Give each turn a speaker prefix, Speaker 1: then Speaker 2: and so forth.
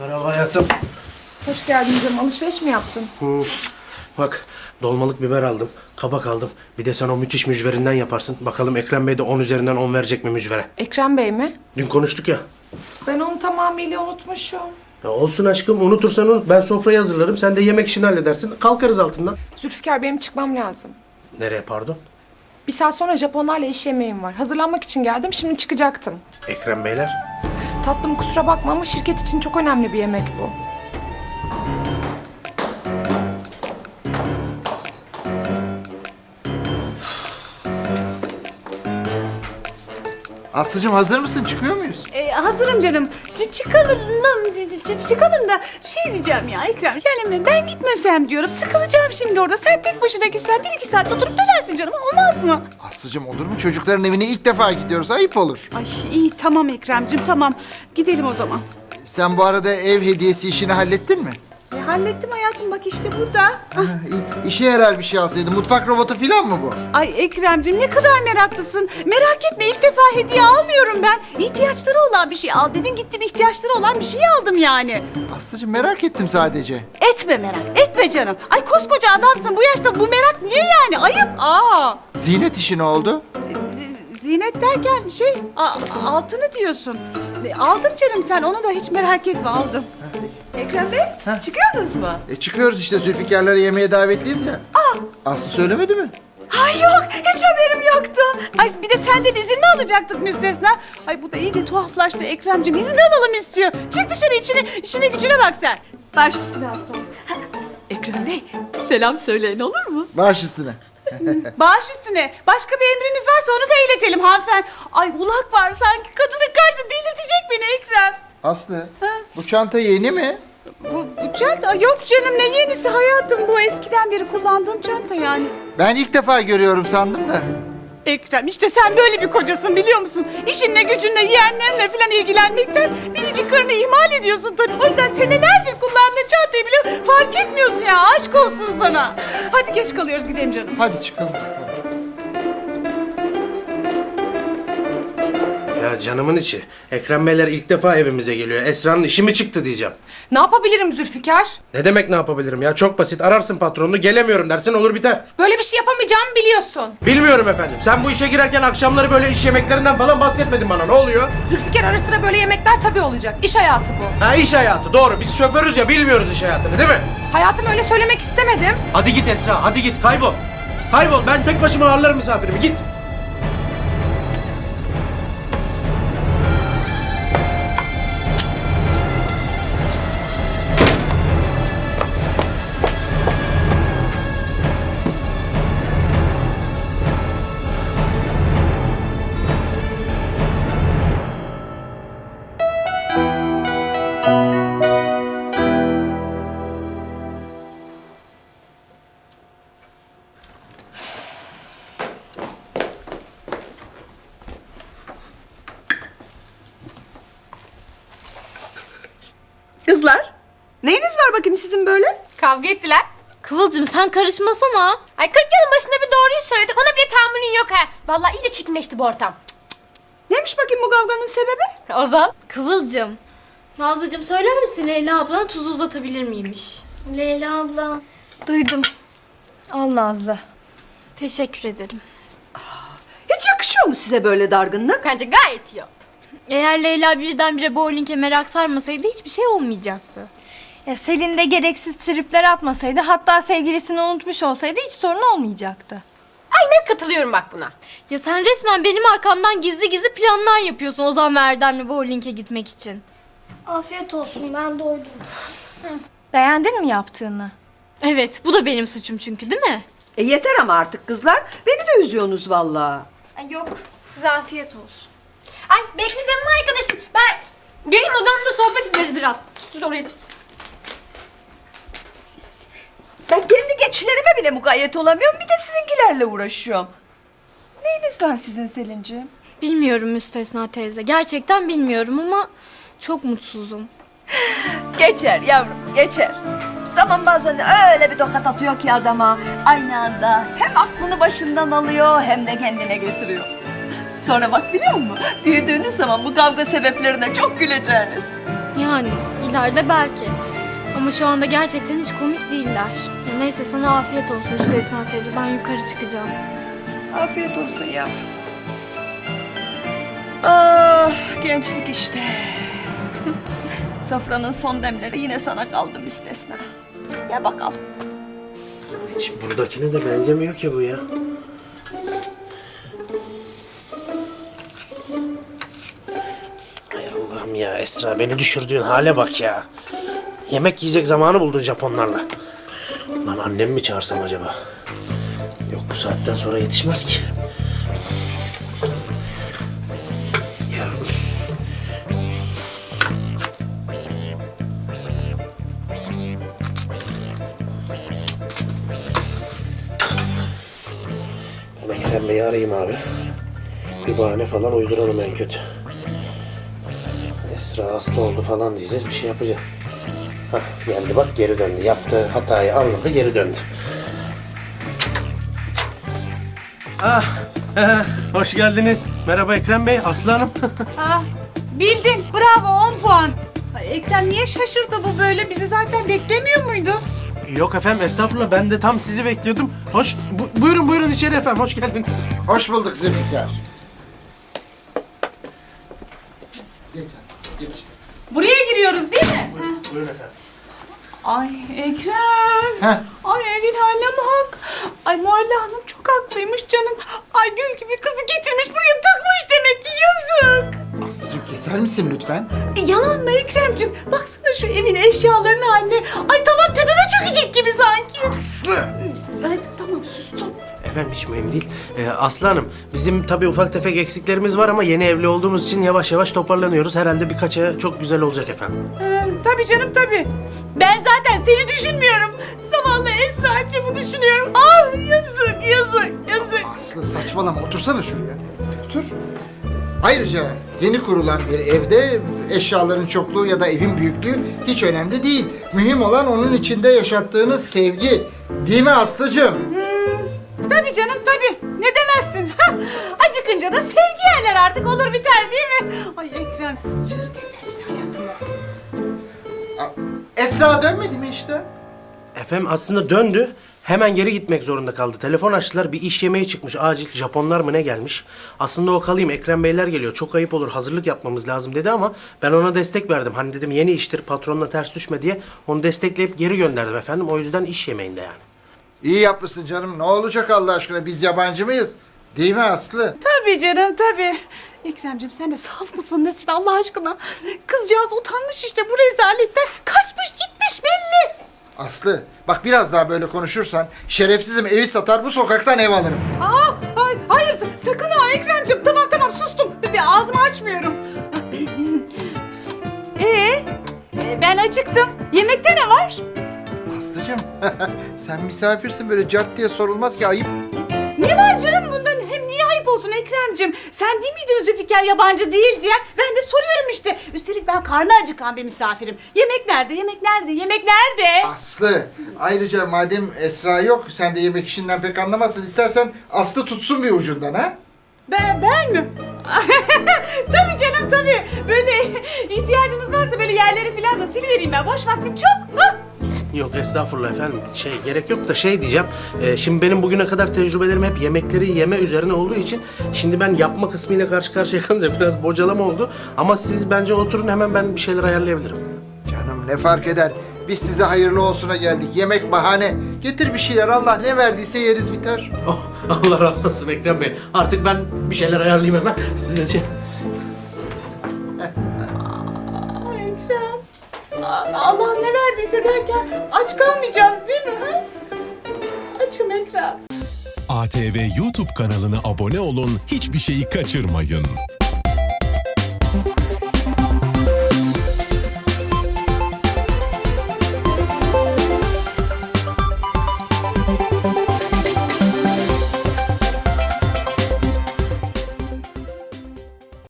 Speaker 1: Merhaba hayatım.
Speaker 2: Hoş geldin canım. Alışveriş mi yaptın?
Speaker 1: Bak dolmalık biber aldım, kabak aldım. Bir de sen o müthiş mücverinden yaparsın. Bakalım Ekrem Bey de 10 üzerinden 10 verecek mi mücvere?
Speaker 2: Ekrem Bey mi?
Speaker 1: Dün konuştuk ya.
Speaker 2: Ben onu tamamıyla unutmuşum.
Speaker 1: Ya olsun aşkım, unutursan unut. Ben sofrayı hazırlarım, sen de yemek işini halledersin. Kalkarız altından.
Speaker 2: Zülfikar, benim çıkmam lazım.
Speaker 1: Nereye pardon?
Speaker 2: Bir saat sonra Japonlarla iş yemeğim var. Hazırlanmak için geldim. Şimdi çıkacaktım.
Speaker 1: Ekrem Beyler.
Speaker 2: Tatlım, kusura bakma ama şirket için çok önemli bir yemek bu.
Speaker 3: Aslıcığım hazır mısın? Çıkıyor muyuz?
Speaker 4: Hazırım canım. Çıkalım da şey diyeceğim ya Ekrem. Yani ben gitmesem diyorum. Sıkılacağım şimdi orada. Sen tek başına gitsen 1-2 saat oturup dönersin canım. Olmaz mı?
Speaker 3: Aslıcığım olur mu? Çocukların evine ilk defa gidiyoruz. Ayıp olur.
Speaker 4: Ay iyi tamam Ekrem'cim tamam. Gidelim o zaman.
Speaker 3: Sen bu arada ev hediyesi işini hallettin mi?
Speaker 4: Hallettim hayatım bak işte burada.
Speaker 3: Ha, iyi. İşe yarar bir şey alsaydın. Mutfak robotu falan mı bu?
Speaker 4: Ay Ekrem'cim ne kadar meraklısın. Merak etme ilk defa hediye almıyorum ben. İhtiyaçları olan bir şey al dedin gittim ihtiyaçları olan bir şey aldım yani.
Speaker 3: Aslıcığım merak ettim sadece.
Speaker 4: Etme merak etme canım. Ay koskoca adamsın bu yaşta bu merak niye yani ayıp.
Speaker 3: Zinet işi ne oldu?
Speaker 4: Zinet derken altını diyorsun. Aldım canım sen onu da hiç merak etme aldım.
Speaker 5: Ekrem Bey, çıkıyorsunuz mu?
Speaker 3: Çıkıyoruz işte Zülfikar'lara yemeğe davetliyiz ya. Aslı söylemedi mi?
Speaker 4: Ay yok hiç haberim yoktu. Ay bir de senden izin mi alacaktık müstesna? Ay bu da iyice tuhaflaştı Ekrem'cim izin alalım istiyor. Çık dışarı işine gücüne bak sen.
Speaker 5: Baş üstüne aslanım. Ekrem Bey, selam söyleyin olur mu?
Speaker 3: Baş üstüne.
Speaker 4: Baş üstüne. Başka bir emriniz varsa onu da iletelim hanımefendi. Ay ulak var sanki kadının karşı delirtecek beni Ekrem.
Speaker 3: Aslı bu çanta yeni mi?
Speaker 4: Bu çanta yok canım ne yenisi hayatım bu eskiden beri kullandığım çanta yani.
Speaker 3: Ben ilk defa görüyorum sandım da.
Speaker 4: Ekrem işte sen böyle bir kocasın biliyor musun? İşinle gücünle yeğenlerinle falan ilgilenmekten biricik karını ihmal ediyorsun tabii. O yüzden senelerdir kullandığın çantayı bile fark etmiyorsun ya aşk olsun sana. Hadi geç kalıyoruz gidelim canım.
Speaker 3: Hadi çıkalım.
Speaker 1: Ya canımın içi. Ekrem Beyler ilk defa evimize geliyor. Esra'nın işi mi çıktı diyeceğim.
Speaker 2: Ne yapabilirim Zülfikar?
Speaker 1: Ne demek ne yapabilirim ya? Çok basit. Ararsın patronunu, gelemiyorum dersin, olur biter.
Speaker 2: Böyle bir şey yapamayacağımı biliyorsun.
Speaker 1: Bilmiyorum efendim. Sen bu işe girerken akşamları böyle iş yemeklerinden falan bahsetmedin bana. Ne oluyor?
Speaker 2: Zülfikar, ara sıra böyle yemekler tabii olacak. İş hayatı bu.
Speaker 1: Ha, iş hayatı, doğru. Biz şoförüz ya, bilmiyoruz iş hayatını değil mi?
Speaker 2: Hayatım, öyle söylemek istemedim.
Speaker 1: Hadi git Esra, hadi git. Kaybol. Kaybol. Ben tek başıma ağırlarım misafirimi. Git.
Speaker 5: Kızlar, neyiniz var bakayım sizin böyle?
Speaker 6: Kavga ettiler.
Speaker 7: Kıvılcım sen karışmasana.
Speaker 6: Ay 40 yılın başında bir doğruyu söyledik. Ona bile tahammülün yok ha. Vallahi iyice çirkinleşti bu ortam.
Speaker 5: Neymiş bakayım bu kavganın sebebi?
Speaker 7: Ozan. Kıvılcım. Nazlıcığım söyler misin Leyla ablana tuzu uzatabilir miymiş?
Speaker 8: Leyla abla. Duydum. Al Nazlı.
Speaker 7: Teşekkür ederim.
Speaker 5: Hiç yakışıyor mu size böyle dargınlık?
Speaker 6: Bence gayet iyi oldu.
Speaker 7: Eğer Leyla birdenbire bowling'e merak sarmasaydı hiçbir şey olmayacaktı.
Speaker 8: Ya Selin de gereksiz tripler atmasaydı, hatta sevgilisini unutmuş olsaydı hiç sorun olmayacaktı.
Speaker 6: Aynen katılıyorum bak buna.
Speaker 7: Ya sen resmen benim arkamdan gizli gizli planlar yapıyorsun Ozan ve Erdem'le bowling'e gitmek için.
Speaker 8: Afiyet olsun, ben doydum. Beğendin mi yaptığını?
Speaker 7: Evet bu da benim suçum çünkü değil mi?
Speaker 5: Yeter ama artık kızlar. Beni de üzüyorsunuz vallahi.
Speaker 8: Yok, size afiyet olsun.
Speaker 6: Ay bekle canım arkadaşım. Ben geleyim o zaman da sohbet ederiz biraz. Sus orayı.
Speaker 5: Ben kendi geçilerime bile mukayyet olamıyorum. Bir de sizinkilerle uğraşıyorum. Neyiniz var sizin Selin'ciğim?
Speaker 7: Bilmiyorum Müstesna teyze. Gerçekten bilmiyorum ama çok mutsuzum.
Speaker 5: Geçer yavrum, geçer. Zaman bazen öyle bir tokat atıyor ki adama. Aynı anda hem aklını başından alıyor hem de kendine getiriyor. Sonra bak biliyor musun? Büyüdüğünüz zaman bu kavga sebeplerine çok güleceğiniz.
Speaker 7: Yani ileride belki. Ama şu anda gerçekten hiç komik değiller. Ya neyse sana afiyet olsun Müstesna teyze. Ben yukarı çıkacağım.
Speaker 5: Afiyet olsun yavrum. Ah, gençlik işte. Sofranın son demleri yine sana kaldı Müstesna. Ya bakalım.
Speaker 1: Hiç buradakine de benzemiyor ki bu ya. Hay Allah'ım ya Esra, beni düşürdüğün hale bak ya. Yemek yiyecek zamanı buldun Japonlarla. Lan annemi mi çağırsam acaba? Yok, bu saatten sonra yetişmez ki. Ya. Ben Ekrem Bey'i arayayım abi. Bir bahane falan uyduralım en kötü. Esra hasta oldu falan diyeceğiz, bir şey yapacağız. Hah, geldi bak, geri döndü. Yaptığı hatayı anladı, geri döndü. Hoş geldiniz. Merhaba Ekrem Bey, Aslı Hanım.
Speaker 4: Ah, bildin. Bravo 10 puan. Ay, Ekrem niye şaşırdı bu böyle? Bizi zaten beklemiyor muydu?
Speaker 1: Yok efendim, estağfurullah, ben de tam sizi bekliyordum. Buyurun içeri efendim, hoş geldiniz.
Speaker 3: Hoş bulduk Zülfikar. Geç Aslı, geç.
Speaker 4: Buraya giriyoruz değil mi?
Speaker 1: Buyurun efendim.
Speaker 4: Ay Ekrem.
Speaker 3: Heh.
Speaker 4: Ay evin haline bak. Ay Muhalle Hanım çok haklıymış canım. Ay gül gibi kızı getirmiş buraya tıkmış demek ki yazık.
Speaker 3: Aslıcığım keser misin lütfen?
Speaker 4: Yalan mı Ekrem'cim? Baksana şu evin eşyalarının haline. Ay tavan tepeme çökecek gibi sanki.
Speaker 3: Aslı!
Speaker 4: Ay tamam sustum.
Speaker 1: Efendim hiç mühim değil. Aslı Hanım, bizim tabii ufak tefek eksiklerimiz var ama yeni evli olduğumuz için yavaş yavaş toparlanıyoruz. Herhalde birkaç aya çok güzel olacak efendim.
Speaker 4: Tabii canım tabii. Ben zaten seni düşünmüyorum. Zavallı Esra'cığımı düşünüyorum. Ah yazık.
Speaker 3: Aslı saçmalama, otursana şuraya. Otur. Ayrıca yeni kurulan bir evde eşyaların çokluğu ya da evin büyüklüğü hiç önemli değil. Mühim olan onun içinde yaşattığınız sevgi. Değil mi Aslıcığım?
Speaker 4: Tabii canım tabii. Ne demezsin? Hah, acıkınca da sevgi yerler artık olur biter değil mi? Ay Ekrem. Züğürt eserse hayatıma.
Speaker 3: Esra dönmedi mi işte?
Speaker 1: Efendim aslında döndü. Hemen geri gitmek zorunda kaldı. Telefon açtılar. Bir iş yemeği çıkmış. Acil Japonlar mı ne gelmiş? Aslında o kalayım. Ekrem Beyler geliyor. Çok ayıp olur. Hazırlık yapmamız lazım dedi ama ben ona destek verdim. Hani dedim yeni iştir. Patronla ters düşme diye. Onu destekleyip geri gönderdim efendim. O yüzden iş yemeğinde yani.
Speaker 3: İyi yapmışsın canım. Ne olacak Allah aşkına? Biz yabancı mıyız? Değil mi Aslı?
Speaker 4: Tabii canım tabii. Ekrem'cim sen de saf mısın nesin Allah aşkına? Kızcağız utanmış işte bu rezaletten. Kaçmış gitmiş belli.
Speaker 3: Aslı bak biraz daha böyle konuşursan şerefsizim, evi satar bu sokaktan ev alırım.
Speaker 4: Hayır sakın ha Ekrem'cim. Tamam sustum. Bir ağzımı açmıyorum. Ben acıktım. Yemekte ne var?
Speaker 3: Aslıcığım sen misafirsin, böyle cart diye sorulmaz ki, ayıp.
Speaker 4: Ne var canım bundan? Hem niye ayıp olsun Ekrem'cim? Sen değil miydin Zülfikar yabancı değil diye? Ben de soruyorum işte. Üstelik ben karnı acıkan bir misafirim. Yemek nerede?
Speaker 3: Aslı ayrıca madem Esra yok, sen de yemek işinden pek anlamazsın. İstersen Aslı tutsun bir ucundan ha?
Speaker 4: Ben mi? Tabii canım tabii. Böyle ihtiyacınız varsa böyle yerleri falan da silivereyim ben. Boş vaktim çok. Ha?
Speaker 1: Yok estağfurullah efendim. Gerek yok da diyeceğim. Şimdi benim bugüne kadar tecrübelerim hep yemekleri yeme üzerine olduğu için şimdi ben yapma kısmıyla karşı karşıya kalınca biraz bocalama oldu. Ama siz bence oturun, hemen ben bir şeyler ayarlayabilirim.
Speaker 3: Canım ne fark eder? Biz size hayırlı olsuna geldik. Yemek bahane. Getir bir şeyler, Allah ne verdiyse yeriz biter.
Speaker 1: Oh, Allah razı olsun Ekrem Bey. Artık ben bir şeyler ayarlayayım hemen sizin için.
Speaker 4: Ay Ekrem. Allah ne verdiyse derken aç kalmayacağız değil mi? Ha? Açım Ekrem.
Speaker 9: ATV YouTube kanalına abone olun, hiçbir şeyi kaçırmayın.